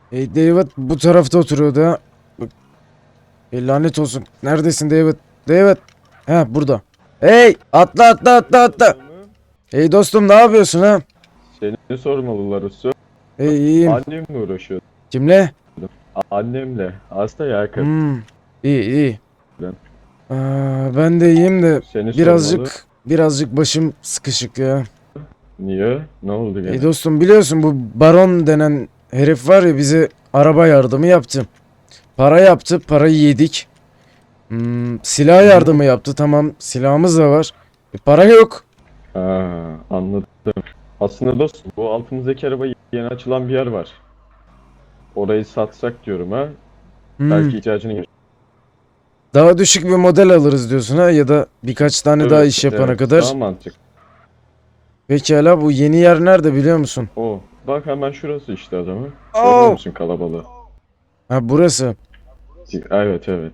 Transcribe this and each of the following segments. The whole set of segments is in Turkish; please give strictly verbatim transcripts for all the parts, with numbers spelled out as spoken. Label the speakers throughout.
Speaker 1: Hey David bu tarafta oturuyordu ha. Bak, e, lanet olsun. Neredesin David? David. Ha burada. Hey atla atla atla atla. Hey dostum ne yapıyorsun ha?
Speaker 2: Seni sormalılar usta.
Speaker 1: Hey iyiyim.
Speaker 2: Annemle uğraşıyordum.
Speaker 1: Kimle?
Speaker 2: Annemle. Hasta ya kadın.
Speaker 1: Hmm, iyi iyi.
Speaker 2: Ben.
Speaker 1: Aa, ben de iyiyim de
Speaker 2: Seni
Speaker 1: birazcık
Speaker 2: sormalı.
Speaker 1: birazcık başım sıkışık ya.
Speaker 2: Niye? Ne oldu gene?
Speaker 1: Hey dostum biliyorsun bu baron denen herif var ya bize araba yardımı yaptı. Para yaptı, parayı yedik. Hmm, silah yardımı yaptı, tamam silahımız da var. E, para yok.
Speaker 2: Ha, anladım. Aslında dostum bu altımızdaki araba yeni açılan bir yer var. Orayı satsak diyorum ha.
Speaker 1: Hmm,
Speaker 2: Belki ihtiyacını gör.
Speaker 1: daha düşük bir model alırız diyorsun ha ya da birkaç tane daha
Speaker 2: Evet,
Speaker 1: iş yapana
Speaker 2: evet,
Speaker 1: kadar.
Speaker 2: Daha mantıklı.
Speaker 1: Pekala bu yeni yer nerede biliyor musun?
Speaker 2: O. Bak hemen şurası işte adamı.
Speaker 1: Oo.
Speaker 2: Görüyor musun kalabalığı?
Speaker 1: Ha burası.
Speaker 2: Evet evet.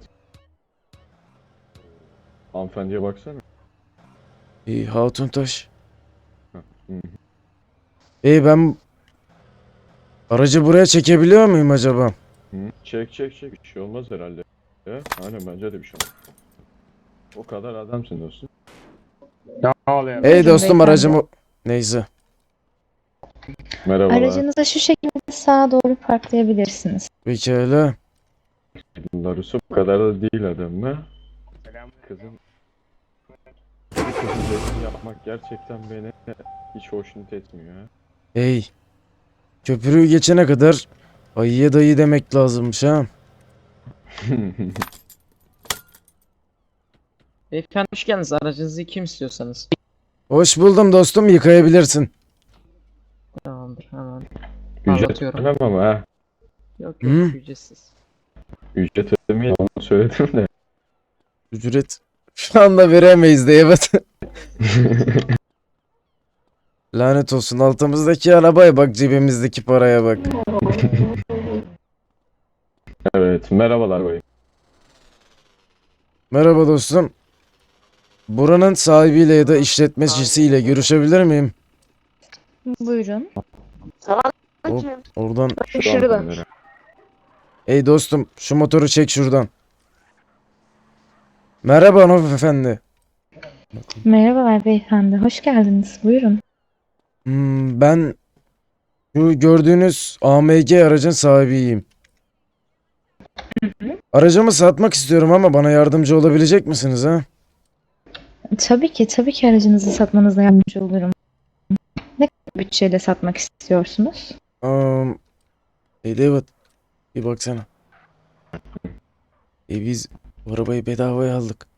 Speaker 2: Hanımefendiye baksana.
Speaker 1: İyi Hatuntaş.
Speaker 2: Hı hı.
Speaker 1: İyi ben aracı buraya çekebiliyor muyum acaba?
Speaker 2: Hı. Çek çek çek. Bir şey olmaz herhalde. Ya, aynen bence de bir şey olmaz. O kadar adamsın dostum.
Speaker 3: Ne oluyor?
Speaker 1: Hey
Speaker 4: Buyurun
Speaker 1: dostum
Speaker 4: beyefendi.
Speaker 1: aracımı... Neyse.
Speaker 2: Merhabalar.
Speaker 4: Aracınızı şu şekilde sağa doğru parklayabilirsiniz.
Speaker 1: Pekala.
Speaker 2: Larusu bu kadar da değil adam mı? Kızım. Bir kızın resmi yapmak gerçekten beni hiç hoşnut etmiyor ha.
Speaker 1: Hey. Köprüyü geçene kadar ayıya dayı demek lazımmış ha.
Speaker 3: Beyefendi hoş geldiniz. Aracınızı kim istiyorsanız.
Speaker 1: Hoş buldum dostum yıkayabilirsin.
Speaker 3: Tamamdır hemen.
Speaker 2: Ücret
Speaker 3: Anlatıyorum.
Speaker 2: ödemem ama ha.
Speaker 3: Yok yok
Speaker 1: Hı?
Speaker 3: ücretsiz.
Speaker 2: Ücret ödemeyi onu söyledim de.
Speaker 1: Ücret şu anda veremeyiz de evet. Lanet olsun altımızdaki arabaya bak cebimizdeki paraya bak.
Speaker 2: Evet merhabalar bayım.
Speaker 1: Merhaba dostum. Buranın sahibiyle ya da işletmecisiyle görüşebilir miyim?
Speaker 4: Buyurun.
Speaker 1: Hop, oradan.
Speaker 2: Şu hanımefendi.
Speaker 1: Ey dostum şu motoru çek şuradan. Merhaba hanımefendi.
Speaker 4: Merhabalar beyefendi. Hoş geldiniz. Buyurun.
Speaker 1: Hmm, ben şu gördüğünüz A M G aracın sahibiyim. Aracımı satmak istiyorum ama bana yardımcı olabilecek misiniz ha?
Speaker 4: Tabii ki, tabii ki aracınızı satmanıza yardımcı olurum. Ne kadar bütçeyle satmak istiyorsunuz?
Speaker 1: Um, hey David, bir baksana. E biz bu arabayı bedavaya aldık.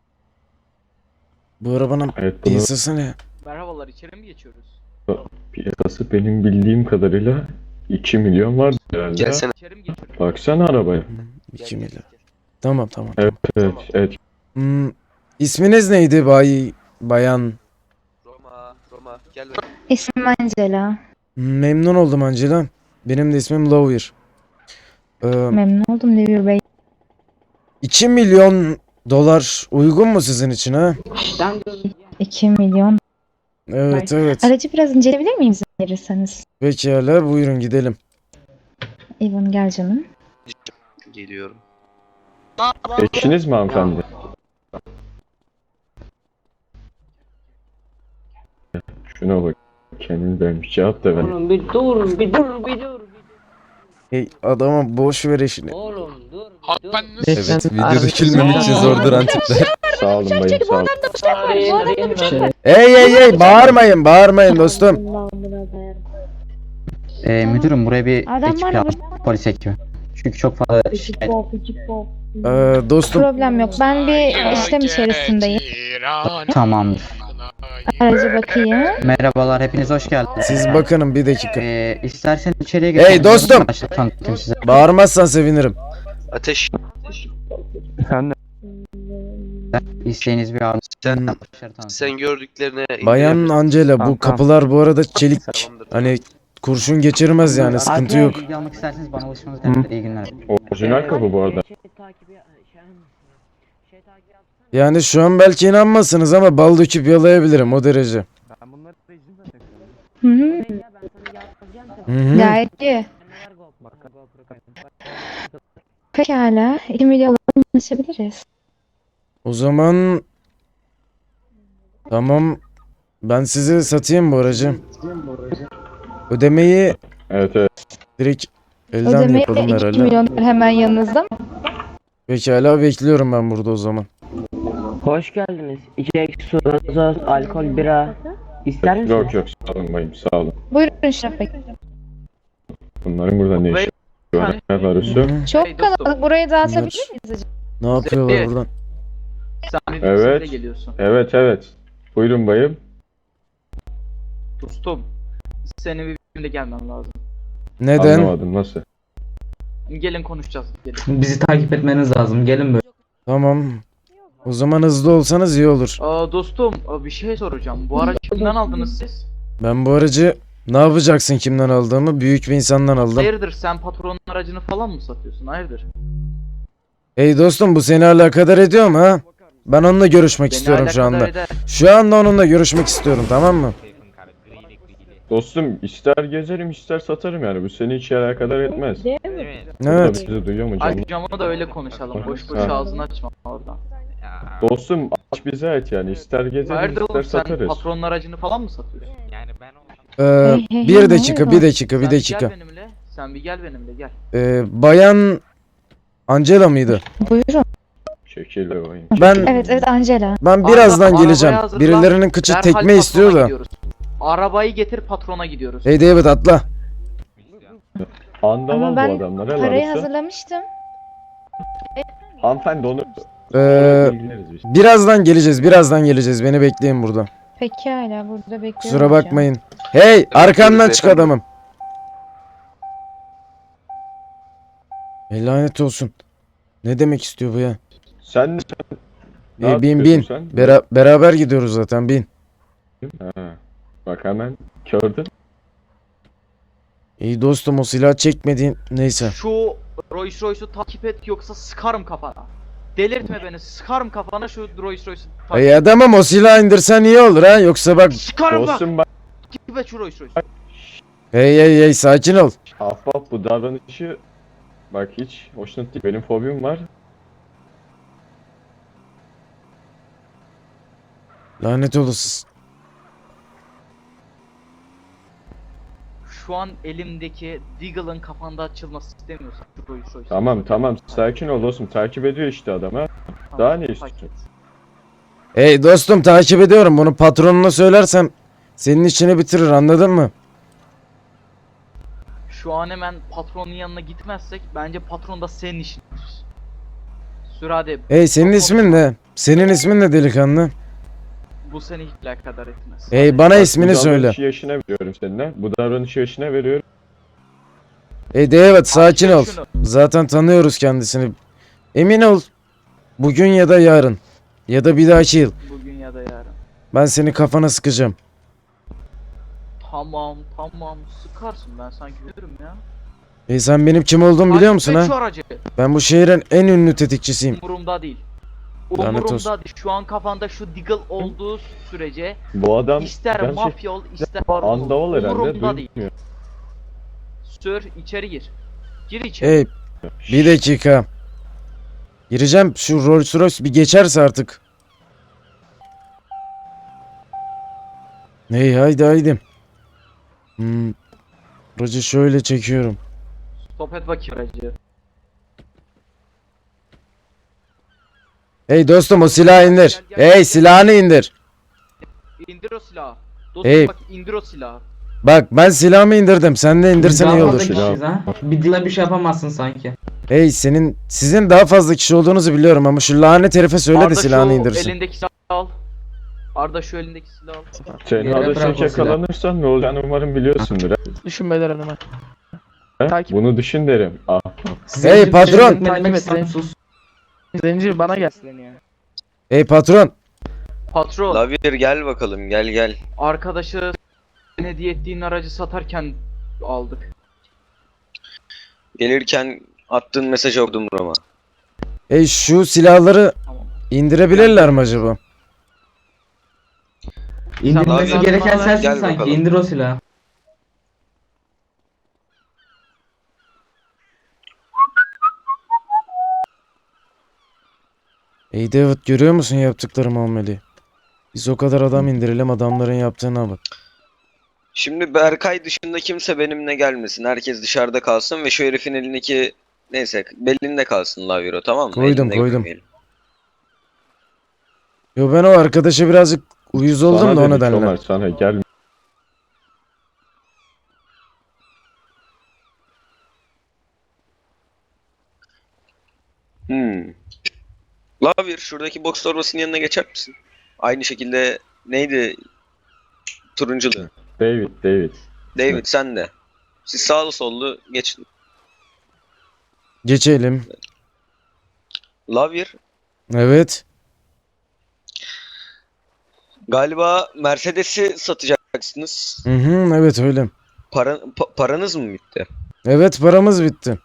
Speaker 1: Bu arabanın
Speaker 2: Evet bunun
Speaker 1: piyasası ne?
Speaker 3: Merhabalar içeri mi geçiyoruz?
Speaker 2: piyasası benim bildiğim kadarıyla iki milyon var herhalde.
Speaker 5: Gelsene.
Speaker 3: İçeri mi geçiyoruz?
Speaker 2: Baksana arabaya.
Speaker 1: Hmm, iki milyar. Tamam tamam.
Speaker 2: Evet evet evet.
Speaker 1: Hmm, isminiz neydi bay bayan?
Speaker 5: Roma, Roma gel.
Speaker 4: İsmim Angela.
Speaker 1: Hmm, memnun oldum Angela. Benim de ismim Lawyer. Ee,
Speaker 4: Memnun oldum Devir Bey.
Speaker 1: iki milyon dolar uygun mu sizin için ha?
Speaker 4: iki milyon.
Speaker 1: Evet evet.
Speaker 4: Aracı biraz inceleyebilir miyim izin verirseniz?
Speaker 1: Pekala buyurun gidelim.
Speaker 4: Evan gel canım.
Speaker 5: Geliyorum.
Speaker 2: Eşiniz mi hanımefendi? Şuna bak. Kendini beğenmiş. Cevap da ver.
Speaker 6: Oğlum bir dur, bir dur, bir dur.
Speaker 1: Hey adama boş ver işini.
Speaker 6: Oğlum dur, bir dur.
Speaker 1: Evet video
Speaker 3: Aracınızı-
Speaker 1: dökülmemek için zor duran tipler.
Speaker 2: Sağ olun bayım sağ olun.
Speaker 6: Arayın, arayın mı?
Speaker 1: Hey hey hey bağırmayın bağırmayın dostum.
Speaker 7: Ee, müdürüm buraya bir
Speaker 4: Adam
Speaker 7: ekip
Speaker 4: var
Speaker 7: lazım. Polis ekibi. Çünkü çok fazla şikayet.
Speaker 1: Ee, dostum
Speaker 4: Problem yok. Ben bir işlem içerisindeyim.
Speaker 7: Tamamdır.
Speaker 4: Araca bakayım.
Speaker 7: Merhabalar, hepiniz hoş geldiniz.
Speaker 1: siz bakının bir dakika.
Speaker 7: Ee, istersen içeriye geçelim.
Speaker 1: Hey dostum!
Speaker 7: Başta tanıtayım size.
Speaker 1: Bağırmazsan sevinirim.
Speaker 5: Ateş.
Speaker 7: İsteğiniz bir ağır.
Speaker 5: Sen
Speaker 7: Başarı tanıtayım.
Speaker 5: sen gördüklerine
Speaker 1: Bayan Angela bu kapılar bu arada çelik.
Speaker 5: Tamamdır.
Speaker 1: Hani kurşun geçirmez yani sıkıntı
Speaker 7: Arkaya
Speaker 1: yok.
Speaker 7: bilgi almak isterseniz bana ulaşmanız kaydeder. İyi günler.
Speaker 2: Orijinal kapı bu arada.
Speaker 1: Yani şu an belki inanmazsınız ama bal döküp yalayabilirim o derece.
Speaker 4: Hı hı.
Speaker 1: Hı hı.
Speaker 4: Gayet iyi. Pekala. iki milyonla anlaşabiliriz.
Speaker 1: O zaman tamam, ben size satayım bu aracı. Ödemeyi
Speaker 2: Evet evet.
Speaker 1: direkt elden
Speaker 4: Ödemeyi
Speaker 1: yapalım
Speaker 4: iki
Speaker 1: herhalde.
Speaker 4: milyon hemen yanınızda mı?
Speaker 1: Pekala, bekliyorum ben burada o zaman.
Speaker 6: Hoş geldiniz. İki ekşi su, gazoz, alkol, bira. İster misiniz?
Speaker 2: Yok yok sağ olun bayım sağ olun.
Speaker 4: Buyurun Şeref Bey.
Speaker 2: Bunların burada ne işi var? Ne Larusu?
Speaker 1: Hı,
Speaker 4: Çok
Speaker 3: Hey dostum.
Speaker 4: kalabalık. Burayı dağıtabilir
Speaker 1: Bunlar-
Speaker 4: miyiz acaba?
Speaker 1: Ne yapıyorlar
Speaker 3: Evet.
Speaker 1: buradan?
Speaker 3: Sen bir
Speaker 2: Evet.
Speaker 3: evet. geliyorsun.
Speaker 2: Evet evet. Buyurun bayım.
Speaker 3: Dostum. Senin bir birimde gelmem lazım.
Speaker 1: Neden?
Speaker 2: Anlamadım nasıl?
Speaker 3: Gelin konuşacağız. Gelin.
Speaker 8: Bizi takip etmeniz lazım. Gelin böyle.
Speaker 1: Tamam. O zaman hızlı olsanız iyi olur.
Speaker 3: Aa, dostum aa, bir şey soracağım. Bu aracı kimden aldınız siz?
Speaker 1: Ben bu aracı ne yapacaksın kimden aldığımı? Büyük bir insandan aldım.
Speaker 3: Hayırdır, sen patronun aracını falan mı satıyorsun? Hayırdır?
Speaker 1: Hey dostum, bu seni alakadar ediyor mu ha? Ben onunla görüşmek
Speaker 3: Beni
Speaker 1: istiyorum şu
Speaker 3: alakadar
Speaker 1: anda.
Speaker 3: eder.
Speaker 1: Şu anda onunla görüşmek istiyorum, tamam mı?
Speaker 2: Dostum ister gezerim ister satarım yani bu seni hiç alakadar etmez.
Speaker 1: Evet.
Speaker 2: Bizi duyuyor mu canım?
Speaker 3: Akşamı da öyle konuşalım. Boş boş
Speaker 2: Ha.
Speaker 3: ağzını açma oradan.
Speaker 2: Dostum aç bize ait yani ister gezerim
Speaker 3: Hayırdır
Speaker 2: ister
Speaker 3: oğlum, sen
Speaker 2: satarız.
Speaker 3: patronun aracını falan mı satıyorsun?
Speaker 1: Ee,
Speaker 4: Hey, hey,
Speaker 1: bir
Speaker 4: hey,
Speaker 1: dakika,
Speaker 4: ne
Speaker 1: bir
Speaker 4: oluyor?
Speaker 1: dakika, bir
Speaker 3: Sen
Speaker 1: dakika.
Speaker 3: gel benimle. Sen bir gel benimle gel.
Speaker 1: Ee, Bayan Angela mıydı?
Speaker 4: Buyurun.
Speaker 2: Çekil be bayım.
Speaker 1: Ben
Speaker 4: Evet evet Angela.
Speaker 1: ben birazdan
Speaker 3: Araba-
Speaker 1: geleceğim.
Speaker 3: arabayı hazırla.
Speaker 1: Birilerinin kıçı
Speaker 3: Derhal
Speaker 1: tekme
Speaker 3: patrona
Speaker 1: istiyor da.
Speaker 3: gidiyoruz. Arabayı getir, patrona gidiyoruz.
Speaker 1: Hey David, atla.
Speaker 2: Andaval
Speaker 4: Ama
Speaker 2: bu
Speaker 4: ben
Speaker 2: adamlar
Speaker 4: Parayı
Speaker 2: Larusu.
Speaker 4: hazırlamıştım.
Speaker 2: Hanımefendi onu
Speaker 1: Ee,
Speaker 2: ilgileriz biz.
Speaker 1: birazdan geleceğiz, birazdan geleceğiz. Beni bekleyin burada.
Speaker 4: Pekala burada bekliyorum.
Speaker 1: Kusura
Speaker 4: hocam.
Speaker 1: bakmayın. Hey, arkamdan
Speaker 5: buyurun
Speaker 1: çık
Speaker 5: efendim.
Speaker 1: adamım. Ey lanet olsun. Ne demek istiyor bu ya?
Speaker 2: Sen ne
Speaker 1: Ee, bin bin.
Speaker 2: yapıyorsun sen?
Speaker 1: Bera- beraber gidiyoruz zaten, bin.
Speaker 2: Ha. Bak hemen gördün.
Speaker 1: İyi dostum, o silah çekmediğin neyse.
Speaker 3: Şu Rolls Royce'u takip et yoksa sıkarım kafana. Delirtme beni, sıkarım kafana şu Rolls Royce'u takip
Speaker 1: Ay adamım, o silahı indirsen iyi olur ha, yoksa bak.
Speaker 3: Sıkarım bak!
Speaker 2: Dostum bak
Speaker 3: Takip et şu Rolls Royce'u.
Speaker 1: Hey hey hey, sakin ol.
Speaker 2: ahbap bu davranışı bak hiç hoşnut değil. Benim fobim var.
Speaker 1: Lanet olası.
Speaker 3: Şu an elimdeki Deagle'ın kafanda açılması istemiyorsan şu Rolls Royce'u.
Speaker 2: Tamam tamam sakin ol dostum takip ediyor işte adam ha.
Speaker 3: Tamam,
Speaker 2: daha ne
Speaker 3: takip
Speaker 2: istiyorsun?
Speaker 3: et.
Speaker 1: Hey dostum, takip ediyorum. Bunu patronuna söylersem senin işini bitirir, anladın mı?
Speaker 3: Şu an hemen patronun yanına gitmezsek bence patron da senin işin. Sür hadi.
Speaker 1: Hey, senin ismin ne? Senin ismin ne delikanlı?
Speaker 3: Bu seni hiç alakadar etmez.
Speaker 1: Hey, bana
Speaker 2: Bak,
Speaker 1: ismini
Speaker 2: bu
Speaker 1: söyle.
Speaker 2: davranışı yaşına veriyorum seninle. Bu davranışı yaşına veriyorum.
Speaker 1: Hey David, sakin
Speaker 3: Al
Speaker 1: ol.
Speaker 3: şunu.
Speaker 1: Zaten tanıyoruz kendisini. Emin ol. Bugün ya da yarın. Ya da bir dahaki yıl.
Speaker 3: Bugün ya da yarın.
Speaker 1: Ben seni kafana sıkacağım.
Speaker 3: Tamam tamam sıkarsın, ben sanki bilirim ya.
Speaker 1: Hey, sen benim kim olduğumu biliyor musun
Speaker 3: Takip et şu
Speaker 1: ha?
Speaker 3: aracı.
Speaker 1: Ben bu şehrin en ünlü tetikçisiyim.
Speaker 3: Umurumda değil.
Speaker 1: Lanet
Speaker 3: Umurumda
Speaker 1: olsun.
Speaker 3: değil. Şu an kafanda şu Deagle olduğu sürece
Speaker 2: Bu adam
Speaker 3: ister
Speaker 2: gerçek
Speaker 3: mafya ol ister baron ol.
Speaker 2: andaval herhalde
Speaker 3: Umurumda değil.
Speaker 2: duymuyor.
Speaker 3: Sür içeri gir. Gir içeri.
Speaker 1: Hey, bir dakika. Gireceğim, şu Rolls Royce bir geçerse artık. Hey, haydi haydi. Hmm. Aracı şöyle çekiyorum.
Speaker 3: Stop et bakayım aracı.
Speaker 1: Hey dostum, o silahı indir. Hey, silahını indir.
Speaker 3: İndir o silahı. Dostum
Speaker 1: Hey.
Speaker 3: bak indir o silahı.
Speaker 1: Bak, ben silahımı indirdim. Sen de indirsen
Speaker 8: Biz
Speaker 1: iyi
Speaker 8: daha
Speaker 1: olur.
Speaker 8: fazla kişiyiz ha. Bir dile bir şey yapamazsın sanki.
Speaker 1: Hey, senin sizin daha fazla kişi olduğunuzu biliyorum ama şu lanet herife söyle de
Speaker 3: Arda
Speaker 1: silahını
Speaker 3: şu
Speaker 1: indirsin.
Speaker 3: elindeki silahı al. Arda şu elindeki silahı al.
Speaker 2: Sen
Speaker 8: Yere
Speaker 2: hala
Speaker 8: bırak o silahı.
Speaker 2: yakalanırsan ne olacağını umarım biliyorsundur.
Speaker 9: Düşünmeler hanıma.
Speaker 2: He?
Speaker 9: Takip-
Speaker 2: Bunu düşün derim. Ah.
Speaker 8: Size
Speaker 1: Hey,
Speaker 8: hiçbir
Speaker 1: patron!
Speaker 8: şey etmedim,
Speaker 9: Takip et
Speaker 8: sen
Speaker 9: beni.
Speaker 8: sus.
Speaker 9: Zenci bana gelsin ya.
Speaker 1: Hey patron.
Speaker 3: Patron,
Speaker 5: Lavir gel bakalım gel gel.
Speaker 3: arkadaşı hediye ettiğin aracı satarken aldık.
Speaker 5: Gelirken attığın mesajı okudum Roma.
Speaker 1: Hey, şu silahları
Speaker 3: Tamam.
Speaker 1: indirebilirler mi acaba?
Speaker 8: İndirmesi
Speaker 5: Abi,
Speaker 8: gereken
Speaker 3: gel
Speaker 8: sensin
Speaker 5: bakalım.
Speaker 8: sanki. İndir o silahı.
Speaker 1: Ey David, görüyor musun yaptıkları muameleyi? Biz o kadar adam indirelim, adamların yaptığına bak.
Speaker 5: Şimdi Berkay dışında kimse benimle gelmesin. Herkes dışarıda kalsın ve şu herifin elindeki neyse belinde kalsın Laviro, tamam mı?
Speaker 1: Koydum,
Speaker 5: Elinde
Speaker 1: koydum.
Speaker 5: görmeyelim.
Speaker 1: Yo, ben o arkadaşa birazcık uyuz oldum
Speaker 2: Sana
Speaker 1: da o
Speaker 2: dedik
Speaker 1: nedenle.
Speaker 2: Ömer, sana gel.
Speaker 5: Hmm. Lavir, şuradaki boks torbasının yanına geçer misin? Aynı şekilde neydi? Turunculu.
Speaker 2: David, David.
Speaker 5: David sen de. Siz sağlı sollu geçin.
Speaker 1: Geçelim.
Speaker 5: Lavir,
Speaker 1: Evet.
Speaker 5: galiba Mercedes'i satacaksınız.
Speaker 1: Hı hı, evet öyle.
Speaker 5: Para, pa- paranız mı bitti?
Speaker 1: Evet, paramız bitti.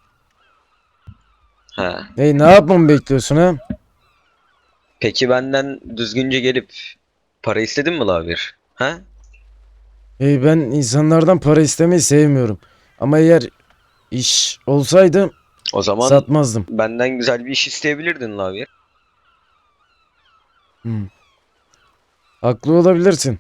Speaker 5: Ha.
Speaker 1: Hey, ne yapmamı bekliyorsun ha?
Speaker 5: Peki benden düzgünce gelip para istedin mi Lavir? Ha?
Speaker 1: Hey, ben insanlardan para istemeyi sevmiyorum. Ama eğer iş olsaydı
Speaker 5: O zaman
Speaker 1: satmazdım.
Speaker 5: benden güzel bir iş isteyebilirdin Lavir.
Speaker 1: Hmm. Haklı olabilirsin.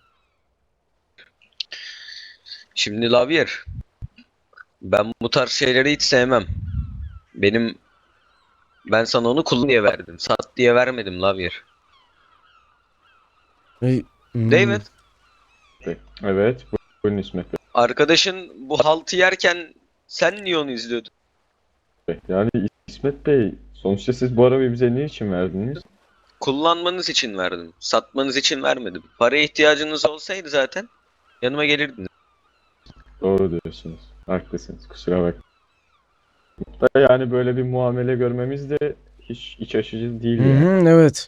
Speaker 5: Şimdi Lavir, ben bu tarz şeyleri hiç sevmem. Benim ben sana onu kullan diye verdim. Sat diye vermedim Lavir.
Speaker 1: Hey, hmm.
Speaker 5: David,
Speaker 2: Evet, bu- buyurun İsmet
Speaker 5: arkadaşın bu haltı yerken sen niye onu izliyordun?
Speaker 2: Bey. Yani İsmet Bey, sonuçta siz bu arabayı bize ne için verdiniz?
Speaker 5: Kullanmanız için verdim. Satmanız için vermedim. Paraya ihtiyacınız olsaydı zaten yanıma gelirdiniz.
Speaker 2: Doğru diyorsunuz. Haklısınız. Kusura bak. Da yani böyle bir muamele görmemiz de hiç iç açıcı değil
Speaker 1: Hı
Speaker 2: yani.
Speaker 1: hı, evet.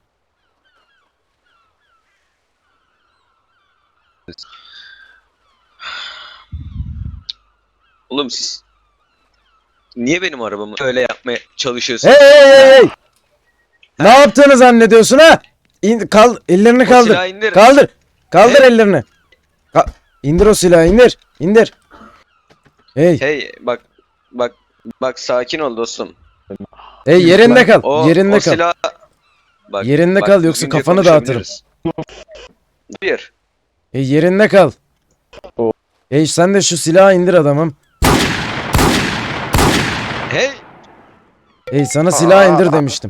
Speaker 5: Oğlum siz niye benim arabamı öyle yapmaya çalışıyorsunuz?
Speaker 1: Hey hey hey hey! Ne yaptığını zannediyorsun ha? İn, kal, ellerini
Speaker 5: O
Speaker 1: kaldır.
Speaker 5: silahı indir.
Speaker 1: Kaldır. Kaldır
Speaker 5: Hey.
Speaker 1: ellerini. Ka- indir o silahı, indir. İndir. Hey,
Speaker 5: Hey bak bak bak sakin ol dostum.
Speaker 1: hey yerinde kal.
Speaker 5: O,
Speaker 1: yerinde
Speaker 5: o
Speaker 1: kal.
Speaker 5: silah bak,
Speaker 1: Yerinde
Speaker 5: bak,
Speaker 1: kal, yoksa
Speaker 5: düzgünce
Speaker 1: kafanı dağıtırım.
Speaker 5: konuşabiliriz. Bir.
Speaker 1: Hey, yerinde kal.
Speaker 2: O-
Speaker 1: Hey, sen de şu silahı indir adamım.
Speaker 5: Hey
Speaker 1: Hey, sana silahı indir demiştim.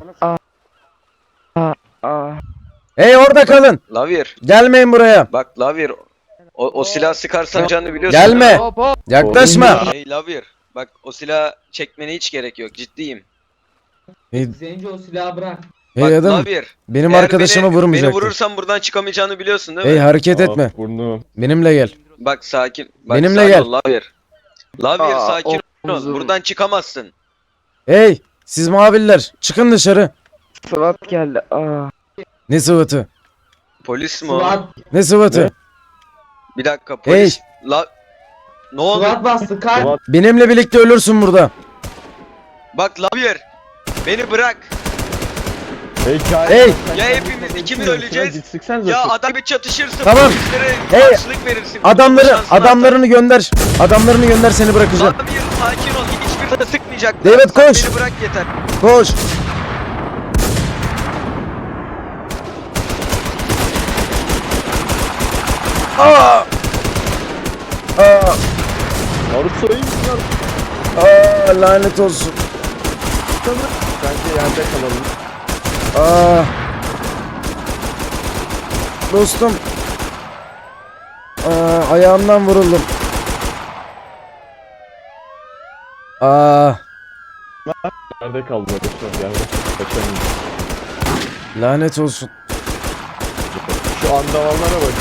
Speaker 9: Aa.
Speaker 1: Hey, orada kalın.
Speaker 5: Lavir
Speaker 1: Gelmeyin buraya.
Speaker 5: bak Lavir o, o silah sıkarsan canını biliyorsun.
Speaker 1: Gelme.
Speaker 5: değil mi?
Speaker 9: Hop hop.
Speaker 1: Yaklaşma.
Speaker 5: Hey Lavir bak o silah çekmene hiç gerek yok, ciddiyim.
Speaker 1: Hey,
Speaker 8: Zenci o silahı bırak.
Speaker 5: Bak
Speaker 1: hey adam,
Speaker 5: Lavir
Speaker 1: benim
Speaker 5: eğer
Speaker 1: arkadaşımı
Speaker 5: beni, beni
Speaker 1: vurmayacaktın.
Speaker 5: vurursan buradan çıkamayacağını biliyorsun değil mi?
Speaker 1: Hey, hareket
Speaker 2: Aa,
Speaker 1: etme.
Speaker 2: burnum.
Speaker 1: Benimle gel.
Speaker 5: Bak sakin. Bak,
Speaker 1: Benimle
Speaker 5: sakin
Speaker 1: gel.
Speaker 5: ol Lavir. Lavir
Speaker 9: Aa,
Speaker 5: sakin ol.
Speaker 9: omzum.
Speaker 5: Buradan çıkamazsın.
Speaker 1: Hey, siz muhabirler, çıkın dışarı.
Speaker 9: Sıvat geldi. Aa.
Speaker 1: Ne sıvıtı?
Speaker 5: Polis mi o?
Speaker 8: Sıvat,
Speaker 1: Ne sıvıtı?
Speaker 2: Ne?
Speaker 5: Bir dakika polis. La... Ne oldu?
Speaker 8: sıvat bastı kalp.
Speaker 2: Sıvat.
Speaker 1: Benimle birlikte ölürsün burada.
Speaker 5: Bak Lavir. Beni bırak.
Speaker 2: Hey, hikaye-
Speaker 1: Hey.
Speaker 5: Ya hepimiz ikimiz öleceğiz.
Speaker 2: Gitsiksen
Speaker 5: Ya adam bir çatışırsın.
Speaker 1: Tamam.
Speaker 5: Polislere
Speaker 1: Hey.
Speaker 5: karşılık verirsin.
Speaker 1: Adamları,
Speaker 5: Kurtulma şansın
Speaker 1: adamlarını gönder. Adamlarını gönder, seni
Speaker 5: artar.
Speaker 1: bırakacağım.
Speaker 5: Lavir sakin ol. Hiçbir de sıkmayacak.
Speaker 1: David,
Speaker 5: Sen
Speaker 1: koş.
Speaker 5: Beni bırak yeter.
Speaker 1: Koş. Aa! Aa!
Speaker 2: Naruto iyi misin lan?
Speaker 1: Aa, lanet olsun.
Speaker 2: Bence yerde kalalım.
Speaker 1: Aa! Dostum. Aa, ayağımdan vuruldum. Aa,
Speaker 2: Yerde kaldı Naruto. Yerde kaçamayız.
Speaker 1: lanet olsun.
Speaker 2: Şu andavallara bak.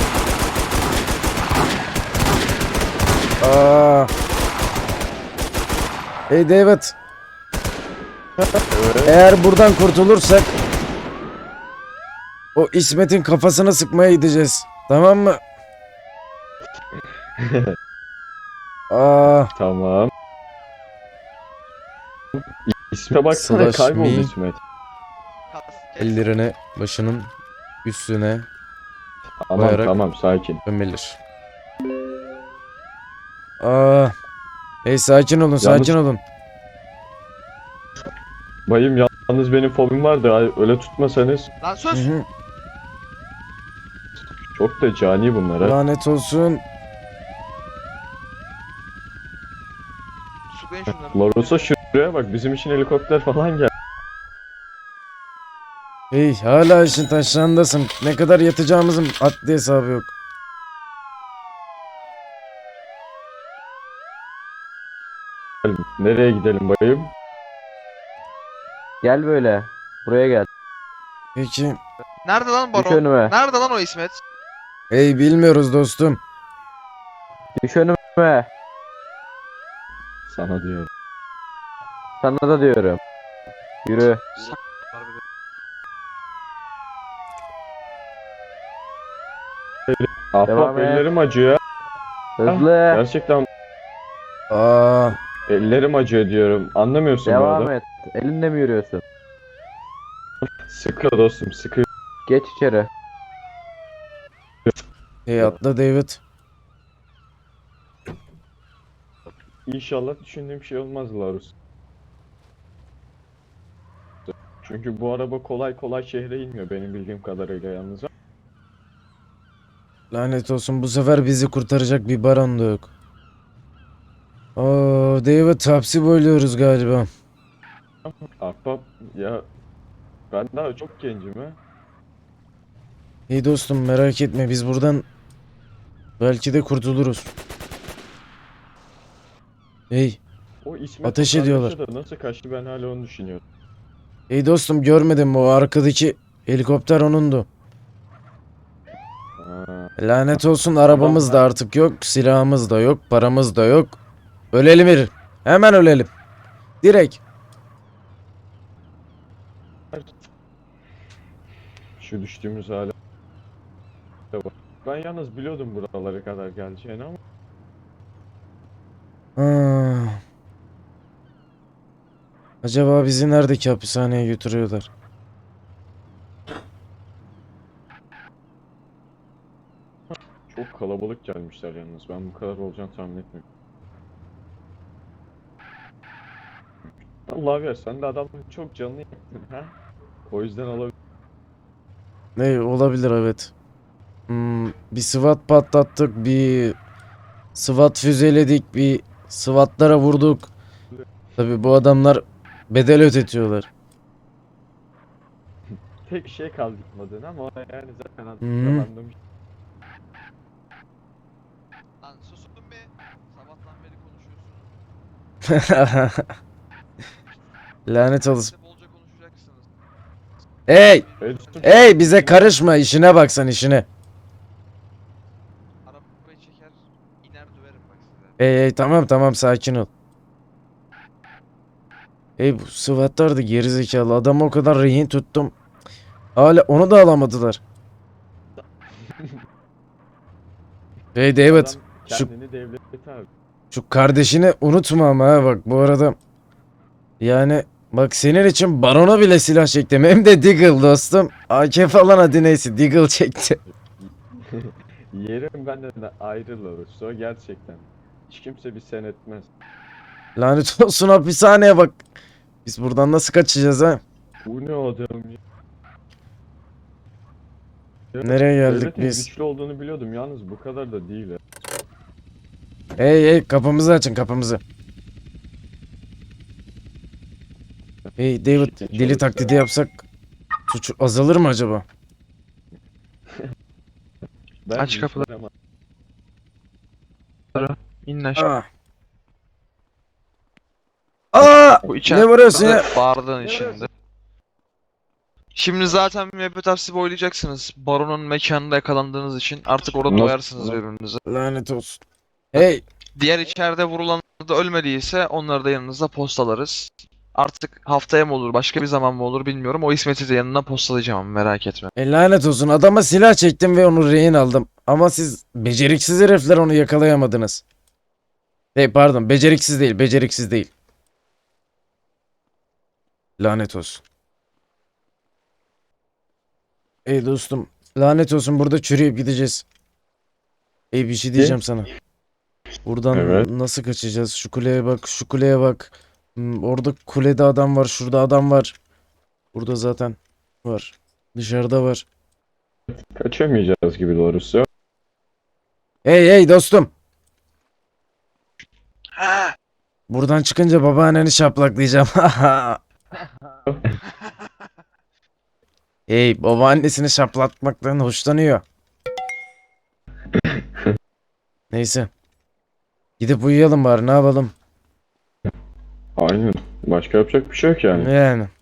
Speaker 1: Aa. Hey David,
Speaker 2: Evet.
Speaker 1: eğer buradan kurtulursak o İsmet'in kafasına sıkmaya gideceğiz. Tamam mı? Aa,
Speaker 2: Tamam. İsme baksana,
Speaker 1: Slash
Speaker 2: kayboldu
Speaker 1: me.
Speaker 2: İsmet.
Speaker 1: ellerini başının üstüne
Speaker 2: Tamam
Speaker 1: Bayarak-
Speaker 2: tamam, sakin.
Speaker 1: gömelir. Aa. Hey, sakin olun, sakin olun.
Speaker 2: Bayım, Yalnız benim fobim var da öyle tutmasanız
Speaker 10: Lan
Speaker 1: Hı
Speaker 10: sus.
Speaker 1: hı.
Speaker 2: çok da cani bunlar ha.
Speaker 1: Lanet olsun.
Speaker 10: Sıklayın şunları.
Speaker 2: Laros'a şuraya bak, bizim için helikopter falan gel.
Speaker 1: Hey, hala işin taşlarındasın. Ne kadar yatacağımızın adli hesabı yok.
Speaker 2: Nereye gidelim bayım?
Speaker 9: Gel böyle. Buraya gel.
Speaker 1: Peki.
Speaker 10: Nerede lan
Speaker 9: Düş
Speaker 10: baron?
Speaker 9: önüme.
Speaker 10: Nerede lan o İsmet?
Speaker 1: Hey, bilmiyoruz dostum.
Speaker 9: Düş önüme.
Speaker 2: Sana diyorum.
Speaker 9: Sana da diyorum. Yürü.
Speaker 2: Ahbap
Speaker 9: Devam et.
Speaker 2: ellerim acıyor.
Speaker 9: Hızlı.
Speaker 2: Gerçekten
Speaker 1: Aa,
Speaker 2: ellerim acıyor diyorum. Anlamıyorsun bu
Speaker 9: Devam
Speaker 2: adam.
Speaker 9: et. Elinle mi yürüyorsun?
Speaker 2: Sıkı dostum, sıkı.
Speaker 9: Geç içeri.
Speaker 1: hey atla David.
Speaker 2: İnşallah düşündüğüm şey olmaz Larus. Çünkü bu araba kolay kolay şehre inmiyor benim bildiğim kadarıyla yalnız.
Speaker 1: Lanet olsun, bu sefer bizi kurtaracak bir baron da yok. Oo, David, hapsi boyluyoruz galiba.
Speaker 2: Ahbap ya, ben daha çok gencim ha.
Speaker 1: Hey dostum, merak etme, biz buradan belki de kurtuluruz. Hey,
Speaker 2: O İsmet
Speaker 1: Ateş
Speaker 2: kardeşi
Speaker 1: ediyorlar.
Speaker 2: de nasıl kaçtı, ben hala onu düşünüyorum.
Speaker 1: hey dostum, görmedin mi, o arkadaki helikopter onundu.
Speaker 2: Ha,
Speaker 1: Lanet olsun, arabamız da artık yok, silahımız da yok, paramız da yok. Ölelim bir. Hemen ölelim. Direkt.
Speaker 2: şu düştüğümüz hale bak. Ben yalnız biliyordum buralara kadar geleceğini ama
Speaker 1: Ah. Acaba bizi neredeki hapishaneye götürüyorlar?
Speaker 2: çok kalabalık gelmişler yalnız. Ben bu kadar olacağını tahmin etmiyorum. Allah ver, sen de adamın çok canını yaktın ha. O yüzden olabilir.
Speaker 1: Ne olabilir, evet. Hmm, bir SWAT patlattık, bir SWAT füzeledik, bir SWAT'lara vurduk. Tabii bu adamlar bedel ödetiyorlar.
Speaker 2: Tek şey kaldı gitmedin ama o yani zaten adam
Speaker 1: Hı.
Speaker 2: yalanlamış.
Speaker 10: Lan susun be. Sabahtan beri konuşuyorsunuz.
Speaker 1: Lanet olsun.
Speaker 10: Siz de bolca konuşacaksınız.
Speaker 1: Hey!
Speaker 2: Hey dostum,
Speaker 1: Hey, bize karışma, işine bak sen, işine.
Speaker 10: Arabayı çeker, iner döverim bak size.
Speaker 1: Hey hey, tamam tamam, sakin ol. Hey, bu SWAT'lar da gerizekalı, adamı o kadar rehin tuttum. Hala onu da alamadılar. Hey David,
Speaker 2: adam
Speaker 1: şu-
Speaker 2: kendini devlete abi.
Speaker 1: şu kardeşini unutma ama ha, bak bu arada. Yani bak, senin için barona bile silah çektim, hem de Deagle dostum. A K falan, hadi neyse, Deagle çekti.
Speaker 2: Yerim benden de ayrılırız. O gerçekten. Hiç kimse bir sen etmez.
Speaker 1: Lanet olsun, hapishaneye bak. Biz buradan nasıl kaçacağız ha?
Speaker 2: Bu ne adam ya? Ya,
Speaker 1: Nereye geldik
Speaker 2: devletin
Speaker 1: biz?
Speaker 2: güçlü olduğunu biliyordum, yalnız bu kadar da değil ha.
Speaker 1: Hey hey, kapımızı açın, kapımızı. Hey David,
Speaker 2: Şirket
Speaker 1: deli
Speaker 2: çalışsa-
Speaker 1: taklidi yapsak suç azalır mı acaba?
Speaker 2: Ben
Speaker 10: Aç kapıları.
Speaker 2: ama
Speaker 10: İnin aşağı.
Speaker 1: Aa! Aa!
Speaker 10: Bu
Speaker 1: Ne vuruyorsun ya?
Speaker 10: Bardağın içinde. Şimdi zaten müebbet hapsi boylayacaksınız. Baronun mekanında yakalandığınız için artık orada
Speaker 2: Nasıl-
Speaker 10: doyarsınız birbirinize.
Speaker 1: Lanet olsun. Hey,
Speaker 10: Diğer içeride vurulanlar da ölmediyse onları da yanınıza postalarız. Artık haftaya mı olur, başka bir zaman mı olur bilmiyorum. O İsmet'i de yanına postalayacağım ama merak etme.
Speaker 1: e, lanet olsun, adama silah çektim ve onu rehin aldım. Ama siz beceriksiz herifler onu yakalayamadınız. Hey pardon, beceriksiz değil, beceriksiz değil. Lanet olsun. Hey dostum, lanet olsun, burada çürüyüp gideceğiz. Hey, bir şey diyeceğim sana. Buradan
Speaker 2: Evet.
Speaker 1: nasıl kaçacağız? Şu kuleye bak, şu kuleye bak. Hmm, orada kulede adam var, şurada adam var. Burada zaten var. Dışarıda var.
Speaker 2: Kaçamayacağız gibi doğrusu.
Speaker 1: Hey hey dostum. Buradan çıkınca babaanneni şaplaklayacağım. Hey, babaannesini şaplatmaktan hoşlanıyor. Neyse. Gidip uyuyalım bari, ne yapalım?
Speaker 2: Aynen. Başka yapacak bir şey yok yani.
Speaker 1: Yani.